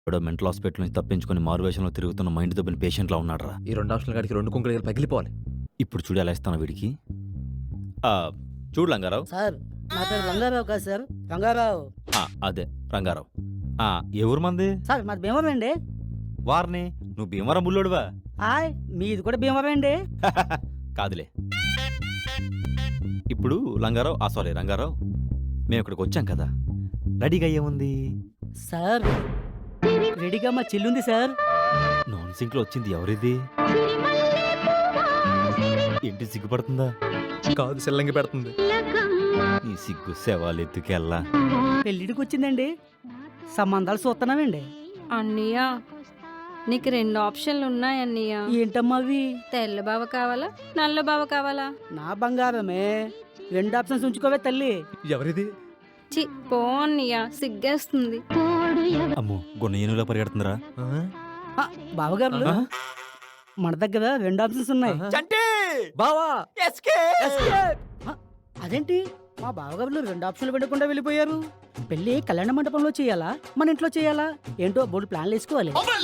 ఎవడో mental hospital నుంచి తప్పించుకొని మారువేషంలో తిరుగుతున్న మైండ్ దొబ్బిన పేషెంట్లా ఉన్నాడురా. ఈ 2 ఆప్షన్ల కాడికి 2 కుంకులు పగిలిపోవాలి. ఇప్పుడు చూడు ఎలా ఇస్తాను వీడికి. ఆ, చూడు రంగారావు. సార్ నా పేరు రంగారావు కాదు సార్, రంగారావు. అదే రంగారావు. ఏ ఊరు మంది? సార్ మాది భీమవరం అండి. వారిని నువ్వు భీమవరం బుల్లోడువా? హాయ్, మీది కూడా భీమవరం అండి. కాదులే. ఇప్పుడు రంగారావు మేము ఇక్కడికి వచ్చాం కదా, రెడీగా ఏముంది సార్ రెడీగా మా చెల్లుంది సార్. నాన్ సింక్ లో వచ్చింది ఎవరిది? ఏంటి సిగ్గుపడుతుందా? కాదు సెల్లంగి పెడుతుంది. ఈ సిగ్గు శవాలెత్తుకెళ్ళా. పెళ్ళిడికి వచ్చిందండి, సంబంధాలు చూస్తున్నామండి. అన్నయ్య నీకు 2 ఆప్షన్లు ఉన్నాయన్నయ్య. ఏంటమ్మా అవి? తెల్ల బావ కావాలా, నల్ల బావ కావాలా? నా బంగారమే, 2 ఆప్షన్స్ ఉంచుకోవే తల్లి. ఎవరిది? చి పో అన్నయ్య, సిగ్గేస్తుంది. అమ్మో, గున్న ఏనుగులా పరిగెడుతుందిరా. బావగారు మన దగ్గర 2 ఆప్షన్స్ ఉన్నాయి. బావా ఆ, అదేంటి మా బావగారులు 2 ఆప్షన్లు పెట్టకుండా వెళ్ళిపోయారు? పెళ్లి కళ్యాణ మండపంలో చేయాలా, మన ఇంట్లో చేయాలా? ఏంటో బోర్డు ప్లాన్లు వేసుకోవాలి.